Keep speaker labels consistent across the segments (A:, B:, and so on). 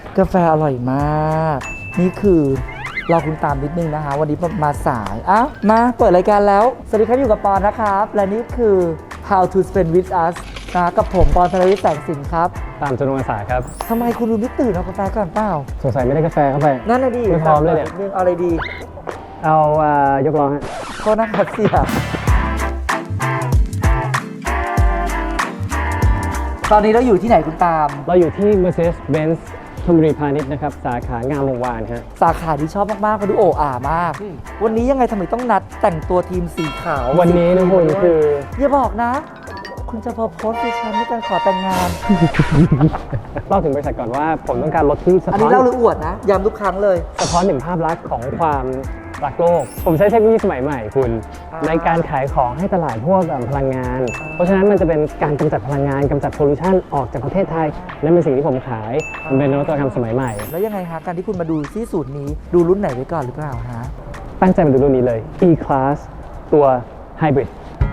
A: กาแฟอร่อยมาก นี่คือเราคุณตามนิดนึงนะคะ วันนี้มาสายมาเปิดรายการแล้ว สวัสดีครับอยู่กับปอนนะครับ และนี่คือ How to Spend with Us นะกับผมปอนธนวิทย์แสงสินครับ
B: ตามจำนวนสายครับ
A: ทำไมคุณดูไม่ตื่นเอากาแฟก่อนเปล่า
B: สงสัยไม่ได้กาแฟเข้าไป
A: นั่นน่ะดิ
B: ไม่พร้อมเลยเนี่ย
A: เอาอะไรดี
B: เอายกล้อฮะ
A: โทษนะครับเสียตอนนี้เราอยู่ที่ไหนคุณตาม
B: เราอยู่ที่ Mercedes-Benz ธนบุรีพาณิชย์นะครับสาขางามวงวานฮะ
A: สาขาที่ชอบมากๆเขาดูโอ้อามาก วันนี้ยังไงทำไมต้องนัดแต่งตัวทีมสีขาว
B: วันนี้นะคุณคือ
A: อย่าบอกนะ คุณจะพอโพสต์ดิฉันในการขอแต่งงาน
B: เล่าถึงบริษัทก่อนว่าผมต้องการรถที่สะ
A: อัน
B: ท้อ
A: นี้
B: น
A: เล่าหรืออวดนะย้ำทุกครั้งเลย
B: สะท้อนถึงภาพลักษณ์ของความรักโลก ผมใช้เทคโนโลยีสมัยใหม่คุณ ในการขายของให้ตลาดพวกพลังงาน เพราะฉะนั้นมันจะเป็นการกำจัดพลังงานกำจัดพอลูชันออกจากประเทศไทยนั่นเป็นสิ่งที่ผมขายมันเป็นนวัตกรรมสมัยใหม่
A: แล้วยังไงฮะการที่คุณมาดูที่สูตรนี้ดูรุ่นไหนไว้ก่อนหรือเปล่าฮะ
B: ตั้งใจมาดูรุ่นนี้เลย E-Class ตัว Hybrid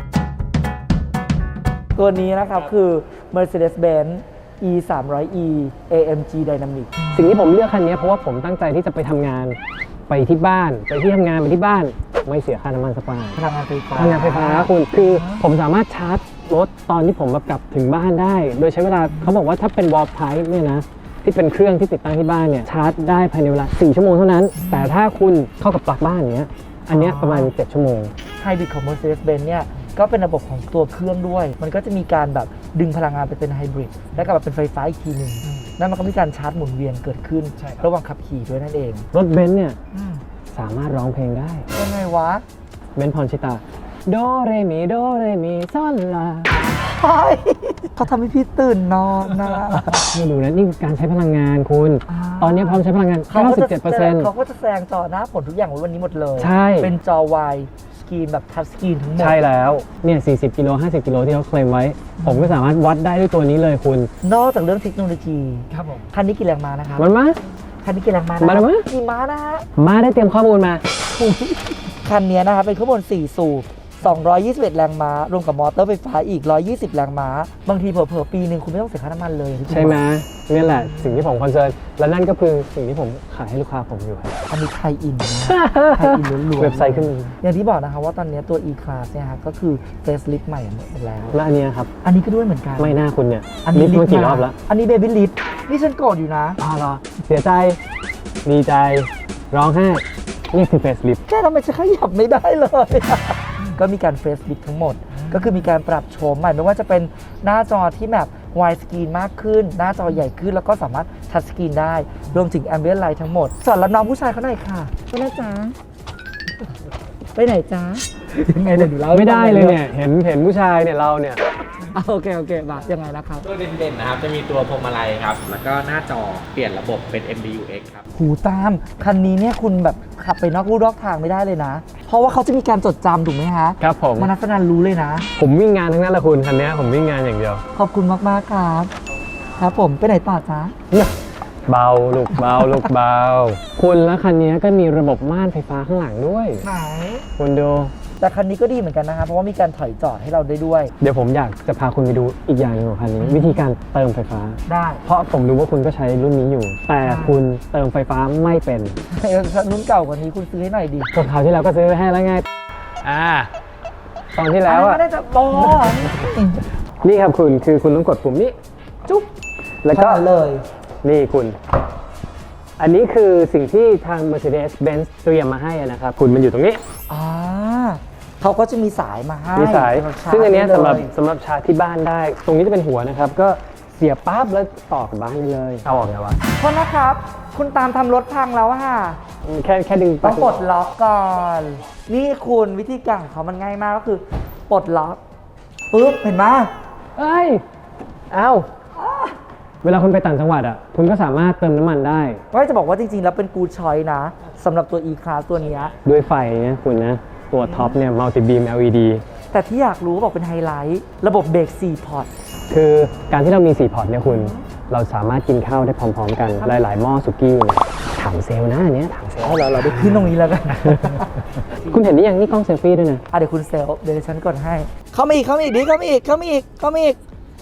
A: ตัวนี้นะครับคือ Mercedes-Benz E 300e AMG Dynamic
B: สิ่งที่ผมเลือกคันนี้เพราะว่าผมตั้งใจที่จะไปทำงานไปที่บ้านไปที่ทำงานไปที่บ้านไม่เสียค่าน้ำมันสักบาท
A: พลังงานไฟฟ้า
B: พลังงานไฟฟ้าคุณคือผมสามารถชาร์จรถตอนที่ผมแบบกลับถึงบ้านได้ โดยใช้เวลาเขาบอกว่าถ้าเป็น Wall Type เนี่ยนะที่เป็นเครื่องที่ติดตั้งที่บ้านเนี่ยชาร์จได้ภายในเวลา4 ชั่วโมงเท่านั้น แต่ถ้าคุณเข้ากับปลั๊กบ้านอย่างเงี้ยอันเนี้ยประมาณ7 ชั่วโมง
A: ไฮบริดของ Mercedes-Benz เนี่ยก็เป็นระบบของตัวเครื่องด้วย มันก็จะมีการแบบดึงพลังงานไปเป็นไฮบริดแล้วก็แบบเป็นไฟฟ้าอีกทีหนึ่งนั่นมันก็มีการชาร์จหมุนเวียนเกิดขึ้นระหว่างขับขี่ด้วยนั่นเอง
B: รถเบนซ์เนี่ยสามารถร้องเพลงได้
A: ยังไงวะ
B: เบนซ์พรชิตาโดเรมีโดเรมีซอนลา
A: เฮ้ยเขาทำให้พี่ตื่นนอนนะ
B: ไม่ดูนะนี่การใช้พลังงานคุณ ตอนนี้พร้อมใช้พลังงาน 97%
A: เขาก็จะแซงต่อหน้าผลทุกอย่างไว้วันนี้หมดเลย
B: ใช่
A: เป็นจอวายสกรีนแบบทัชสกรีนทั้งหมด
B: ใช่แล้วเนี่ย40 กิโล 50 กิโลที่เขาเคลมไว้ ผมก็สามารถวัดได้ด้วยตัวนี้เลยคุณ
A: นอกจากเรื่องเทคโนโลยี
B: ครับผม
A: คันนี้กี่แรงม้านะครับ
B: มันมา
A: คันนี้กี่แรงม้านะ
B: มาแล้วมั้ย
A: กี่ม้านะฮะ
B: มาได้เตรียมข้อมูลมา
A: คันนี้นะครับเป็นเครื่องยนต์4 สูบ 221 แรงม้ารวมกับมอเตอร์ไฟฟ้าอีก 120 แรงม้า บางทีเผลอๆปีหนึ่งคุณไม่ต้องเสียค่าน้ำมันเลย
B: ใช่ไหมนี่แหละสิ่งที่ผมคอนเซิร์นและนั่นก็คือสิ่งที่ผมขายให้ลูกค้าผมอยู่ครับ
A: อันนี้ไทยอินนะไทยอินล้วนๆ
B: เว็บไซต์ขึ้นมา
A: อย่างที่บอกนะคะว่าตอนนี้ตัว E-Class เนี่ยฮะก็คือเฟซลิฟใหม่หมดแล้ว
B: และอันเนี้ยครับ
A: อันนี้ก็ด้วยเหมือนกัน
B: ไม่น่าคุณเนี่ย
A: อันนี้
B: ลิฟต์มากี่รอบแล้ว
A: อันนี้เบบี้ลิฟนี่ฉันโกรธอยู่นะ
B: เหรอเสียใจดีใจร้องไห้นี่คือเฟสลิฟ
A: แค่ทำไมฉันขยับไม่ได้เลย ก็มีการเฟซลิฟทั้งหมด ก็คือมีการปรับโฉมใหม่ไม่ว่าจะเป็นหน้าจอที่แบบวายสกรีนมากขึ้น หน้าจอใหญ่ขึ้นแล้วก็สามารถทัชสกรีนได้ รวมถึงแอมเบียนไลท์ทั้งหมด สอนรับน้องผู้ชายเขาหน่อยค่ะไปนะจ๊ะไปไหนจ๊ะยังไงเนี่ยดูเล่า
B: ไม่ได้เลยเนี่ยเห็นผู้ชายเนี่ยเราเนี่ย
A: โอเคบาทยังไงนะครับ
C: ตัวเด่นๆนะครับจะมีตัวพวงมาลัยครับ แล้วก็หน้าจอเปลี่ยนระบบเป็น MBUX ครับ
A: หูตามคันนี้เนี่ยคุณแบบขับไปนอกลู่นอกทางไม่ได้เลยนะ เพราะว่าเขาจะมีการจดจำถูกไหมฮะ
B: ครับผม
A: มนัสนันรู้เลยนะ
B: ผมวิ่งงานทั้งนั้นแหละคุณคันนี้ผมวิ่งงานอย่างเดียว
A: ขอบคุณมากๆครับ ครับผมไปไหนต่อจ๊ะ
B: เบาลูกเบาลูกเบาคุณแล้วคันนี้ก็มีระบบม่านไฟฟ้าข้างหลังด้วย
A: ไหน
B: คุณดู
A: แต่คันนี้ก็ดีเหมือนกันนะครับเพราะว่ามีการถอยจอดให้เราได้ด้วย
B: เดี๋ยวผมอยากจะพาคุณไปดูอีกอย่างหนึงของคันนี้ วิธีการเติมไฟฟ้า
A: ได้
B: เพราะผมรู้ว่าคุณก็ใช้รุ่นนี้อยู่ แต่คุณเติมไฟฟ้าไม่เป็น
A: รุ่นเก่ากว่านี้คุณซื้อให้หน่อยดิ
B: ส่วนคราวที่แล้วก็ซื้อไว้ให้แล้วไงตอนที่แล้วอ่ะ
A: ไม่ได้จะบอ
B: นี่ครับคุณคือคุณต้องกดปุ่มนี้จุ๊บแล้วก็
A: เลย
B: นี่คุณ อันนี้คือสิ่งที่ทาง Mercedes-Benz เตรียมมาให้นะครับคุณมันอยู่ตรงนี้
A: เขาก็จะมีสายมาให้
B: มีสาย
A: สำหรับชาร์จ
B: ซึ่งอันเนี้ย
A: ได้เลย
B: สำหรับชาร์จที่บ้านได้ ตรงนี้จะเป็นหัวนะครับ ก็เสียบปั๊บแล้วต่อกับบ้านได้เลย เอาออกไงวะ
A: โทษนะครับ คุณตามทำรถพังแล้วอะค่ะ
B: แค่ดึง
A: ต้องปลดล็อกก่อน นี่คุณวิธีการของเขามันง่ายมากก็คือปลดล็อกปุ๊บเห็นไหม
B: เอ้ย เอาเวลาคุณไปต่างจังหวัดอ่ะ คุณก็สามารถเติมน้ำมันได้
A: ว่าจะบอกว่าจริงๆแล้วเป็นกูชอยนะสำหรับตัว E-Class ตัวเนี้ย
B: ด้วยไฟเนี่ยคุณนะ ตัวท็อปเนี่ย Multi Beam LED
A: แต่ที่อยากรู้บอกเป็นไฮไลท์ ระบบเบรก4 พอร์ต
B: คือการที่เรามี 4 พอร์ตเนี่ยคุณ เราสามารถกินข้าวได้พร้อมๆ กันหลายๆหม้อสุกี้เนี่ยถามเซลล์นะอันเนี้ยถามเซลล์
A: เราได้ขึ้นตรงนี้แล้วกัน
B: คุณเห็นนี่ยังนี่กล้องเซลฟี่ด้วยนะ
A: เดี๋ยวคุณเซลเดี๋ยวฉันกดให้ เข้ามาอีกดิเข้ามาอีก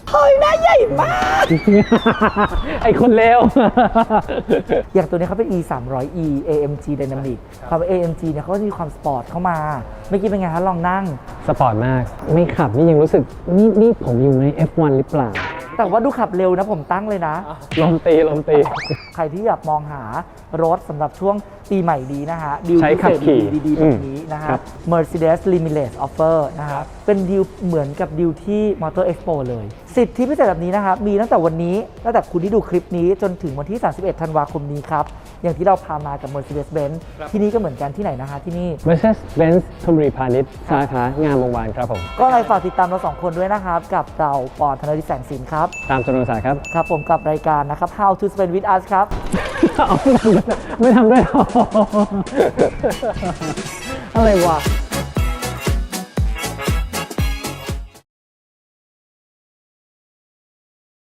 A: เฮ้ยหน้าใหญ่มาก
B: ไอคนเลว
A: อย่างตัวนี้เขาเป็น E 3 0 0 E AMG Dynamic ความ AMG เนี่ยเขาก็จะมีความสปอร์ตเข้ามาเมื่อกี้เป็นไงคะลองนั่ง
B: สปอร์ตมาก ไม่ขับนี่ยังรู้สึกนี่ผมอยู่ใน F1 หรือเปล่า
A: แต่ว่าดูขับเร็วนะผมตั้งเลยนะ
B: ลมตี
A: ใครที่อยากมองหารถสำหรับช่วงปีใหม่นี้นะฮะดีล
B: ใช้
A: พิ
B: ขั
A: เศ
B: บ
A: ษ
B: ขี่
A: ดีๆแบบนี้นะ
B: ครั
A: ฮะ
B: บ
A: Mercedes Limitless Offer นะฮะเป็นดีลเหมือนกับดีลที่ Motor Expo เลยสิทธิพิเศษแบบนี้นะครับมีตั้งแต่วันนี้ตั้งแต่คุณที่ดูคลิปนี้จนถึงวันที่ 31 ธันวาคมนี้ครับ อย่างที่เราพามากับ Mercedes-Benz ที่นี่ก็เหมือนกันที่ไหนนะคะที่นี่
B: Mercedes-Benz ธนบุรีพาณิชย์สาขางามวงวานครับผม
A: ก็อะไรฝากติดตามเราสองคนด้วยนะครับกับเราปอนธนดิษฐ์แสงสินครับ
B: ตามจำนวนสายครับ
A: ครับผมกับรายการนะครับ How to Spend with Us ครับ
B: เอาไม่ทำด้วยเหรออะไรวะ